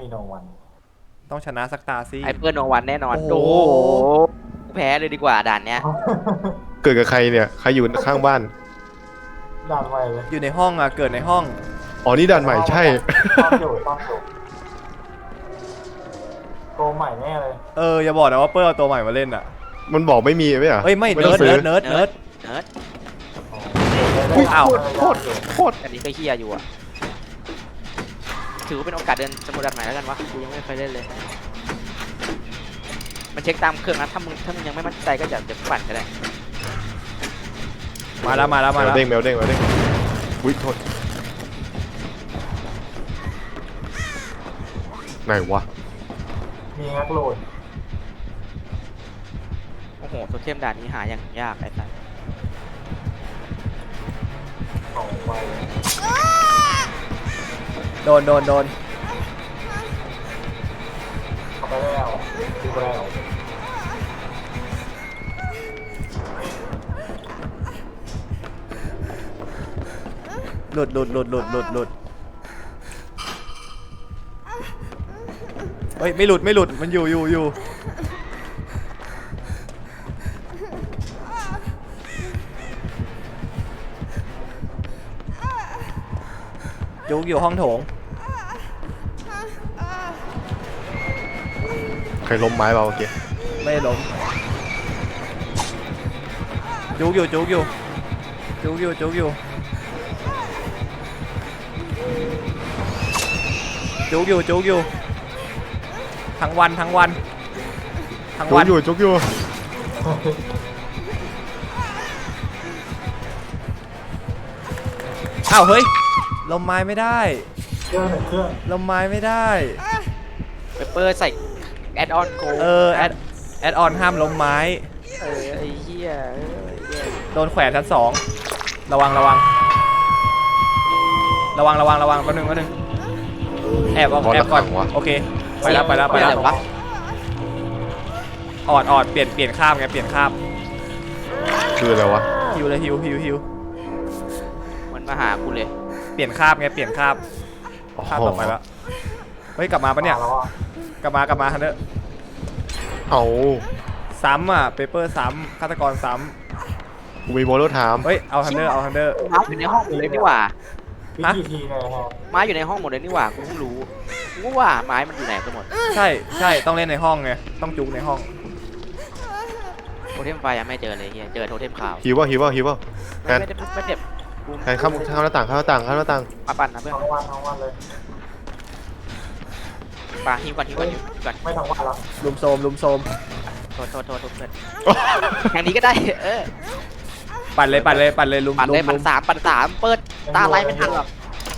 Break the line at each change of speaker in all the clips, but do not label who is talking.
มีโนวัน
ต้องชนะสักตาสิ
ไอเปิลโนวันแน่นอน
โอ้
โอ้
โห
โหแพ้เลยดีกว่าด่านเนี้ย
เกิดกับใครเนี่ยใครอยู่ข้างบ้าน
ด่านใหม่เลย
อยู่ในห้องอ่ะเกิดในห้อง
อ๋อนี่ด่านใหม่ใช่
ต้องอยู่โกใหม่แน่เลย
อย่าบอกนะว่าเปิ้ลเอาตัวใหม่มาเล่นอ่ะ
มันบอกไม่มีไหมอ่ะ
เอ้ยไม่
ต้
เนิ
อง
ร์ด
ซื้อ
เนิร์ด
เนิร์ด
อุ๊ย
อ้าว
โคตร
อันนี้ก็เฮียอยู่อะถือว่าเป็นโอกาสเดินสมุดด่านใหม่แล้วกันวะกูยังไม่เคยเล่นเลยมันเช็คตามเครื่องนะถ้ามึงยังไม่มั่นใจก็จะปั่นก็ได้
มาแล้ว
แมวเด้งอุ้ยโทษไหนวะ
มีงักโหลด
โอ้โหโทเทมด่านนี้หาอย่างยากไอ้สัส
ของไว
โดน
เข้าไปแล้วดูไปแล้ว
หลุดเฮ้ยไม่หลุดมันอยู่จุกอยู่ห้องโถง
ใครล้มไม้เปล่าโอเค
ไม่ล้มจุกอยู่ทั้งวัน
จุกอยู่
อ้าวเฮ้ยลมไม้ไม่ได้
เครื่อง
ลมไม้ไม่ได้
เปเปอร์ใส่แอดออนโก
แอดออนห้ามล้มไม้
ไอ้เหี้ย
โดนแขวนชั้น2ระวังแป๊บนึงแอบก่อนโอเคไปแล้วออดเปลี่ยนคาบไงเปลี่ยนคาบ
คืออะไรวะ
ฮิวเลยฮิว
มันมาหากูเลย
เปลี่ยนคาบไงเปลี่ยนคาบต่อไปแล้วเฮ้ยกลับมาปะเนี่ย
แล้วอ่ะ
กลับมาฮันเดอร์
เอา
ซ้ำอ่ะเปเปอร์ซ้ำฆาตกรซ้
กูมีโมโลถาม
ำเฮ้ยเอาฮันเดอร์
ม้าอยู่ในห้องหมดเลยนี่หว่า
พี่กี่ทีเนี่ยฮะ
ไม้อยู่ในห้องหมดเลยนี่หว่ากูเพิ่งรู้กูว่าไม้มันอยู่ไหนกันหมด
ใช่ต้องเล่นในห้องไงต้องจุกในห้อง
โทเทมไฟยังไม่เจอเลยเฮียเจอโทเทมขาว
ฮิวว่าแทน
ไม่เจ็บกู
แทนเข้าหน้าต่าง
มาปั่นนะเพื่อน
ทั้งวันเลย
ปาฮิวก่อน
ไม่ทั้งวันแล้ว
ลุมโซม
โทษเพื่อนทางนี้ก็ได้
ปั่นเลยลุม
ปั่นเลยปั่นสามเปิดตาไล่ไม่ทันหรอก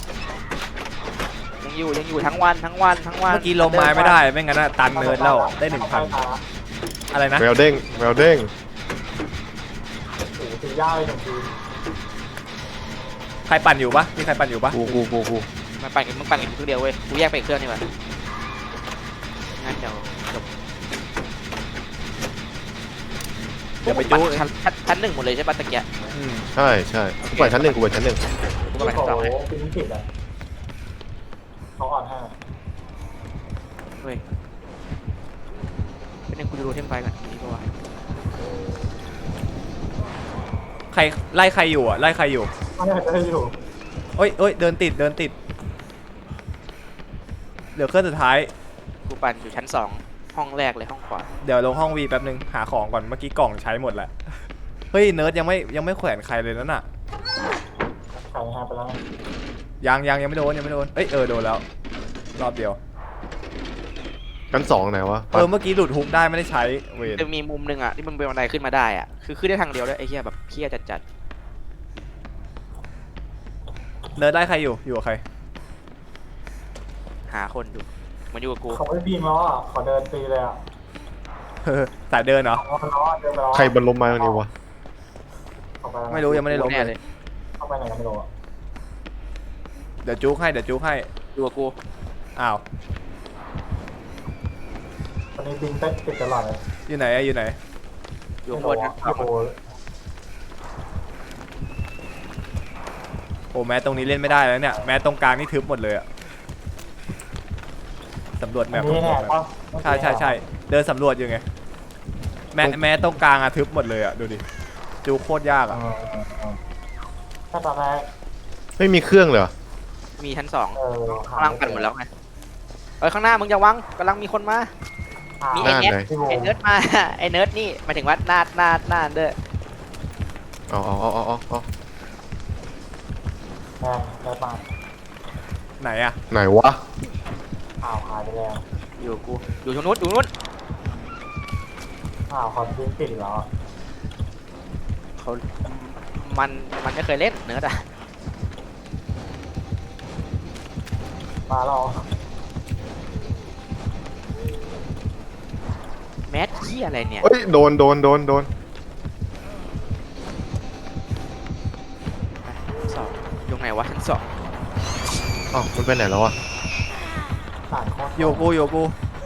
ยังอยู่ทั้งวัน
เมื่อกี้ลมไม้ไม่ได้ไม่งั้นตันเนิร์ดแล้วได้ 1,000อะไรนะ
แมวเด้ง
โอ้โหถึงยากเลย1 ที
ใครปั่นอยู่ปะมีใครปั่นอยู่ปะ
กู
มึงปั่นกันเครื่องเดียวเว้ยกูแยกไปอีกเครื่องนี่หว่างั้นเดี๋ยวจบ
อย่าไปจุก
ชั้นหนึ่งหมดเลยใช่ป่ะตะเกียบ
ใช่กูไปชั้นหนึ่ง
กูก็ไป
โอ้
ชั้น
โห
สองให้
ฟินิผิดอ่ะเขาอ่อนให้
เว้ยเป็นกูดูโทเทมไฟก่อนนี่ก็ว่า
ใครไล่ใครอยู่อ่ะไล่ใครอยู่
ไม่ได้จะอยู่
เอ้ยเดินติดเหลือเครื่องสุดท้าย
กูปั่นอยู่ชั้น2ห้องแรกเลยห้องขวา
เดี๋ยวลงห้องวีแป๊บนึงหาของก่อนเมื่อกี้กล่องใช้หมดแล้วเฮ้ยเนิร์ดยังไม่แขวนใครเลยนั่นน่ะ
ขายฮาไปแล้ว
ยังไม่โดนเอ้ยโดนแล้วรอบเดียว
ชั้น2ไหนวะ
เมื่อกี้หลุดฮุกได้ไม่ได้ใช้เวร
จะมีมุมหนึ่งอ่ะที่มันเป็นบันไดขึ้นมาได้อ่ะคือขึ้นได้ทางเดียวด้วยไอ้เหี้ยแบบเหี้ยจัด
เนิร์ดได้ใครอยู่กับใคร
หาคนอยู่มันอยู่กับกู
เขาไม่บีมแล้วอ่ะขอเดินตีเลยอ่ะ
สายเดินเหรอ
เขาล้อเดินไปแล้ว
ใครบนล้มไม้ตรงนี้วะ
ไม่รู้ยังไม่ได้ล้ม
แน่
เลย
เข้าไปไหนกันไม่รู้อ่ะ
เดี๋ยวจุกให้
อยู่กับกู
อ้าว
ตอนนี้บินติดตลอดเลย
อยู่ไหน
อยู่ข้างบนนะ
โอ้โห
โอ้แม้ตรงนี้เล่นไม่ได้แล้วเนี่ยแม้ตรงกลางนี่ทึบหมดเลยอะสำรวจแม
อัน
พ
นี้
สำร
เนี่
วย จแม
ป่ะ
พใช่เดินสำรวจอยู่ไงแม้ตรงกลางอะทึบหมดเลยอะดูดิจูโคตรยากอะ
ถ้าตอนแรก
ไม่มีเครื่องเลยเหรอ
มีชั้นสอง
หา
ข้างล่างปั่นหมดแล้วไงเอ้ยข้างหน้ามึงอย่าวังกำลังมีคนมา มี
ห
ไอ้
น้า
เนิร์ด
ไหน
ไอ้เนิร์ดมา ไอ้เนิร์ดนี่หมายถึงว่าหน้าเด้อ
เอา
แม่มา
ไหนอะ
ไหนวะ
ข่าวหายไปแล้ว
อยู่กูอยู่ตรงนู้นอยู่นู้น
ข่าวคอมพิวติดแล้ว
เขามันไม่เคยเล่นเนิร์ดอะ
มาเรา
แมสขี้อะไรเนี่ย
เอ้ยโดน
ชั้นสองอยู่ไหนวะชั้นสอง
อ้าวมันไปไหนแล้ววะ
ต่างคน
อยู่กู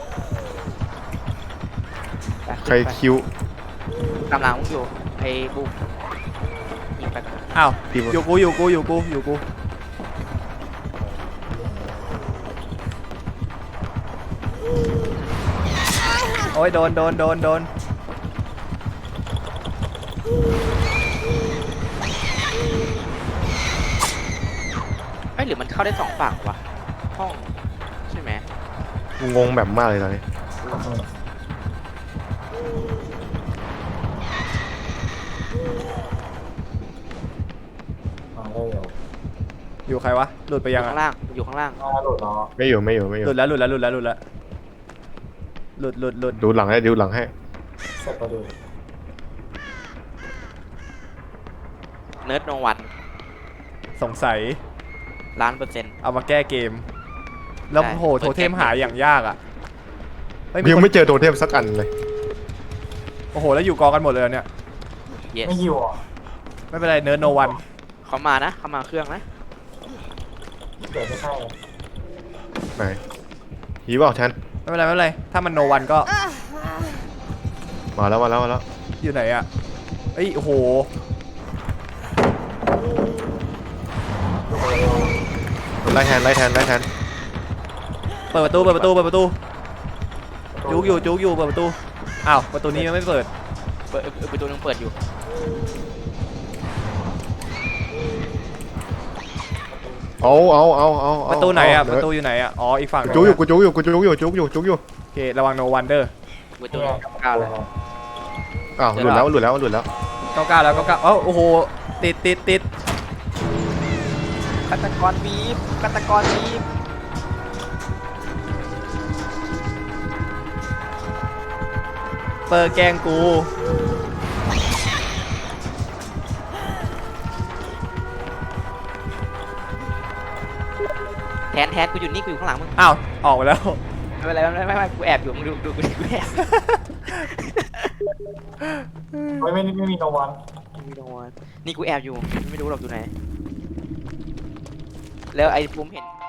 ไป
ใครคิว
กำลังมึงอยู่ไอ้บูมยิงไปก่อน
อ้าว
พี่
อยู่กูโอ้ยโดน
เอ้ยหรือมันเข้าได้สองฝั่งวะห้องใช่ไหม
งงแบบมากเลยตอนนี้
มาเร็ว
อยู่ใครวะหลุดไป
อ
ยั
ยู่
ง
ข้าง
อะ
ล่างอยู่ข้างล่าง
มาหลุดล้อ
ไม่อยู่
หลุดแล้วหลุด
ดูหลังให้ดูหลังให้
เสร็จประดู
เนิร์ดโนวัน
สงสัย
1,000,000%
เอามาแก้เกม แล้ว
ใช่
โหโทเทมหาอย่างยากอะเฮ้ยมี
ยัง
คน
ไม่เจอโทเทมสักอันเลย
โอ้โหแล้วอยู่กองกันหมดเลยเนี่ย
yes
ไม่หิวอ่ะ
ไม่เป็นไรเนิร์ดโนวัน
เขามานะเขามาเครื่องนะ
เกิดไม่ใช่
ไหนหีเปล่าแทน
ไม่เป็นไรถ้ามันโนวันก็
มาแล้ว
อยู่ไหนอะเอ้ยโอ้โห
ไล่แทน
เปิดประตูจุกอยู่เปิดประตูอ้าวประตูนี้ยังไม่เปิด
ประตูนึงเปิดอยู่
เอา
ประตูไหนอะประตูอยู่ไหนอะอ๋ออีกฝั่ง
จุกอยู่
โอเคระวังโนวันเดอร์
ประตูนึงก้าวเลย
อ้าวหลุดแล้ว
99แล้ว99เอ้าโอ้โหติด
ฆาตกรบีบ
เปิดแกงกู
แทนกูอยู่นี่กูอยู่ข้างหลังมึง
อ้าวออกไปแล้ว
ไม่เป็นไรไม่กูแอบอยู่มึงดูกูแอบ
ไม่มีโนวัน
ไม่โดนนี่กูแอบอยู่ไม่รู้หรอกอยู่ไหนแล้วไอ้ภูมิเห็น